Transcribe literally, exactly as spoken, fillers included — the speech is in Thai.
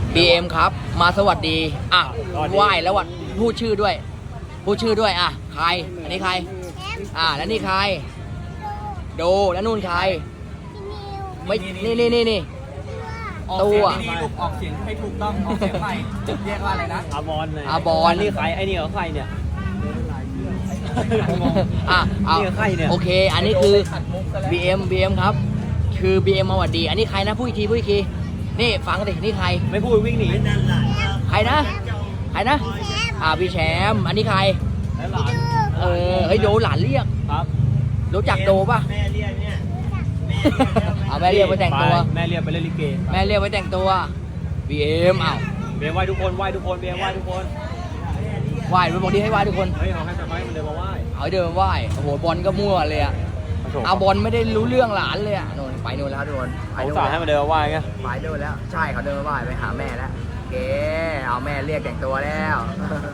บี เอ็ม ครับ มาสวัสดี อ่ะไหว้แล้ววัดพูดชื่อด้วย พูดชื่อด้วย อ่ะ ใคร อันนี้ใคร อ่ะ แล้วนี่ใคร โด แล้วนู่นใคร ไม่ นี่นี่นี่นี่ออกเสียงดีๆลูกออกเสียงให้ถูกต้องออกเสียงใหม่เรียกว่าอะไรนะอาบอลเลยอาบอลนี่ใครไอ้นี่เหรอใครเนี่ยอ่ะเอานี่ใครเนี่ยโอเค อันนี้คือ บี เอ็ม บี เอ็ม ครับ คือ บี เอ็ม มาสวัสดี อันนี้ใครนะพูดอีกทีพูดอีกที นี่ฟังดินี่ใครไม่พูดวิ่งหนีใครนะ ใครนะ อ่าพี่แชมป์ อันนี้ใครแล้วหลานเออ เฮ้ยโดหลานเรียกครับรู้จักโดป่ะแม่เรียกเนี่ยเอาแม่เรียกไปแต่งตัวแม่เรียกไปเล่นลิเกแม่เรียกไปแต่งตัว บี เอ็ม อ้าวเบียร์ไหว้ทุกคนไหว้ทุกคนเบียร์ไหว้ทุกคนไหว้ไปบอกดีให้ไหว้ทุกคนเฮ้ยเอาให้ไปไหว้มันเดินมาไหว้เอาให้เดินมาไหว้โอ้โหบอลก็มั่วเลยอะเอาบอลไม่ได้รู้เรื่องหลานเลยอะโน่นไปโน่นแล้วทุกคนไปเขาโน่นสาให้มันเดินมาไหว้ไงไปโน่นแล้ว ใช่เขาเดินมาไหว้ไปหาแม่แล้วโอเคเอาแม่เรียกแต่งตัวแล้ว